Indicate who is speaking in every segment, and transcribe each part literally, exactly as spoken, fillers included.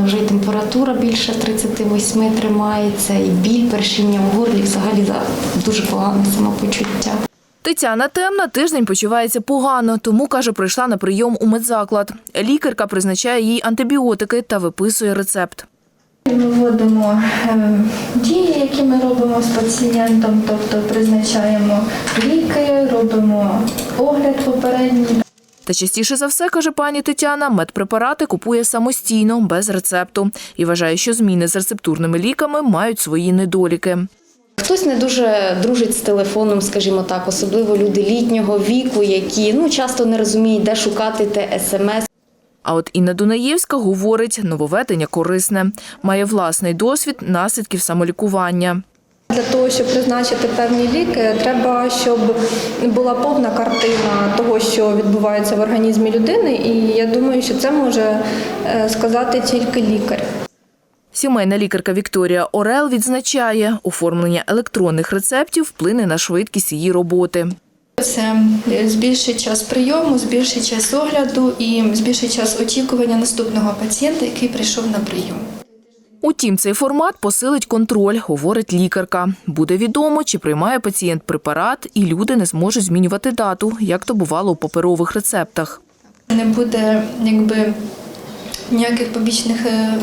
Speaker 1: мене вже і температура більше тридцяти восьми тримається, і біль, першіння в горлі, взагалі дуже погане самопочуття.
Speaker 2: Тетяна Темна тиждень почувається погано, тому, каже, прийшла на прийом у медзаклад. Лікарка призначає їй антибіотики та виписує рецепт.
Speaker 3: Ми вводимо дії, які ми робимо з пацієнтом, тобто призначаємо ліки, робимо огляд попередній.
Speaker 2: Та частіше за все, каже пані Тетяна, медпрепарати купує самостійно, без рецепту. І вважає, що зміни з рецептурними ліками мають свої недоліки.
Speaker 1: Хтось не дуже дружить з телефоном, скажімо так, особливо люди літнього віку, які ну, часто не розуміють, де шукати те смс.
Speaker 2: А от Інна Дунаєвська говорить, нововведення корисне. Має власний досвід наслідків самолікування.
Speaker 3: Для того, щоб призначити певні ліки, треба, щоб була повна картина того, що відбувається в організмі людини, і я думаю, що це може сказати тільки лікар.
Speaker 2: Сімейна лікарка Вікторія Орел відзначає, оформлення електронних рецептів вплине на швидкість її роботи.
Speaker 3: Це збільшить час прийому, збільшить час огляду і збільшить час очікування наступного пацієнта, який прийшов на прийом.
Speaker 2: Утім, цей формат посилить контроль, говорить лікарка. Буде відомо, чи приймає пацієнт препарат, і люди не зможуть змінювати дату, як то бувало у паперових рецептах.
Speaker 3: Не буде, якби, ніяких побічних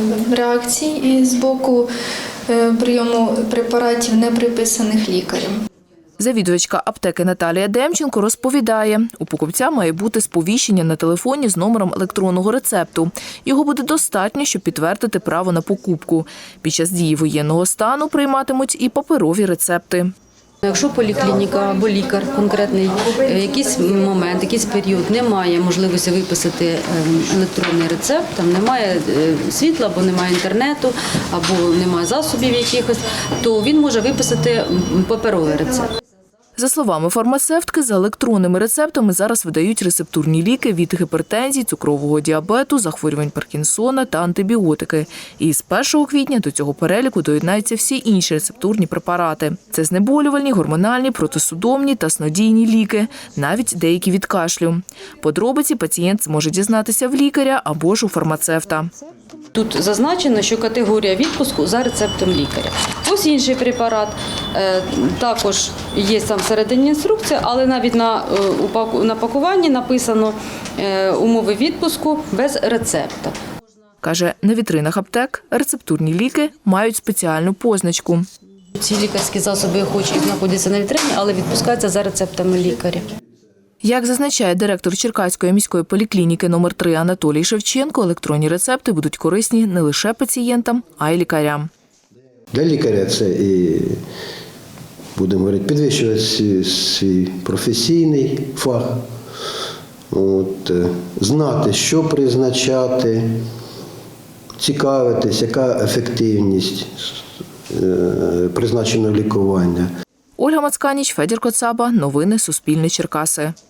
Speaker 3: реакцій з боку прийому препаратів, не приписаних лікарем.
Speaker 2: Завідувачка аптеки Наталія Демченко розповідає, у покупця має бути сповіщення на телефоні з номером електронного рецепту. Його буде достатньо, щоб підтвердити право на покупку. Під час дії воєнного стану прийматимуть і паперові рецепти.
Speaker 4: Якщо поліклініка або лікар конкретний в якийсь момент, якийсь період не має можливості виписати електронний рецепт, там немає світла, або немає інтернету, або немає засобів якихось, то він може виписати паперовий рецепт.
Speaker 2: За словами фармацевтки, за електронними рецептами зараз видають рецептурні ліки від гіпертензії, цукрового діабету, захворювань Паркінсона та антибіотики. І з першого квітня до цього переліку доєднаються всі інші рецептурні препарати. Це знеболювальні, гормональні, протисудомні та снодійні ліки, навіть деякі від кашлю. Подробиці пацієнт зможе дізнатися в лікаря або ж у фармацевта.
Speaker 4: Тут зазначено, що категорія відпуску за рецептом лікаря. Ось інший препарат, також є там всередині інструкція, але навіть на, на пакуванні написано умови відпуску без рецепта.
Speaker 2: Каже, на вітринах аптек рецептурні ліки мають спеціальну позначку.
Speaker 4: Ці лікарські засоби, хоч і знаходяться на вітрині, але відпускаються за рецептами лікаря.
Speaker 2: Як зазначає директор Черкаської міської поліклініки номер три Анатолій Шевченко, електронні рецепти будуть корисні не лише пацієнтам, а й лікарям.
Speaker 5: Для лікаря це і, будемо говорити, підвищувати свій професійний фах, от, знати, що призначати, цікавитись, яка ефективність призначеного лікування.
Speaker 2: Ольга Мацканіч, Федір Коцаба. Новини Суспільне Черкаси.